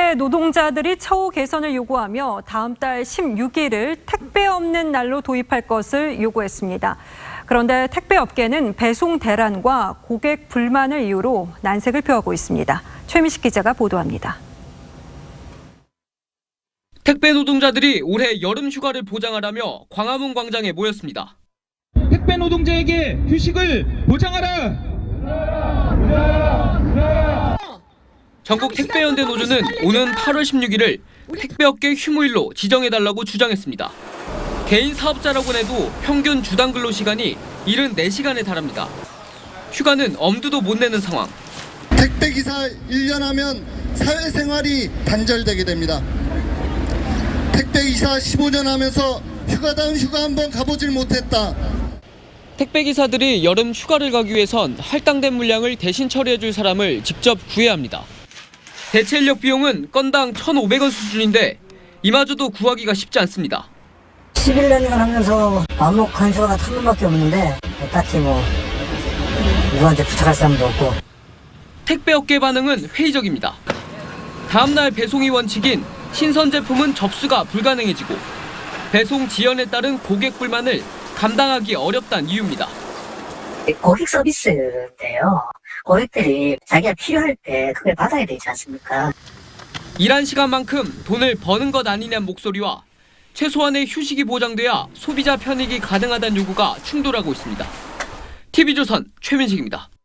택배 노동자들이 처우 개선을 요구하며 다음 달 16일을 택배 없는 날로 도입할 것을 요구했습니다. 그런데 택배업계는 배송 대란과 고객 불만을 이유로 난색을 표하고 있습니다. 최민식 기자가 보도합니다. 택배 노동자들이 올해 여름 휴가를 보장하라며 광화문 광장에 모였습니다. 택배 노동자에게 휴식을 보장하라! 전국 택배연대 노조는 오는 8월 16일을 택배업계 휴무일로 지정해달라고 주장했습니다. 개인 사업자라고 해도 평균 주당 근로시간이 74시간에 달합니다. 휴가는 엄두도 못 내는 상황. 택배기사 1년 하면 사회생활이 단절되게 됩니다. 택배기사 15년 하면서 휴가다운 휴가 한번 가보질 못했다. 택배기사들이 여름 휴가를 가기 위해선 할당된 물량을 대신 처리해줄 사람을 직접 구해야 합니다. 대체 인력 비용은 건당 1,500원 수준인데 이마저도 구하기가 쉽지 않습니다. 11년간 하면서 암묵한 휴가가 한 번밖에 없는데 딱히 누구한테 부탁할 사람도 없고. 택배업계 반응은 회의적입니다. 다음 날 배송이 원칙인 신선 제품은 접수가 불가능해지고 배송 지연에 따른 고객 불만을 감당하기 어렵다는 이유입니다. 고객 서비스인데요. 고객들이 자기가 필요할 때 그걸 받아야 되지 않습니까? 일한 시간만큼 돈을 버는 것 아니냐는 목소리와 최소한의 휴식이 보장돼야 소비자 편익이 가능하다는 요구가 충돌하고 있습니다. TV조선 최민식입니다.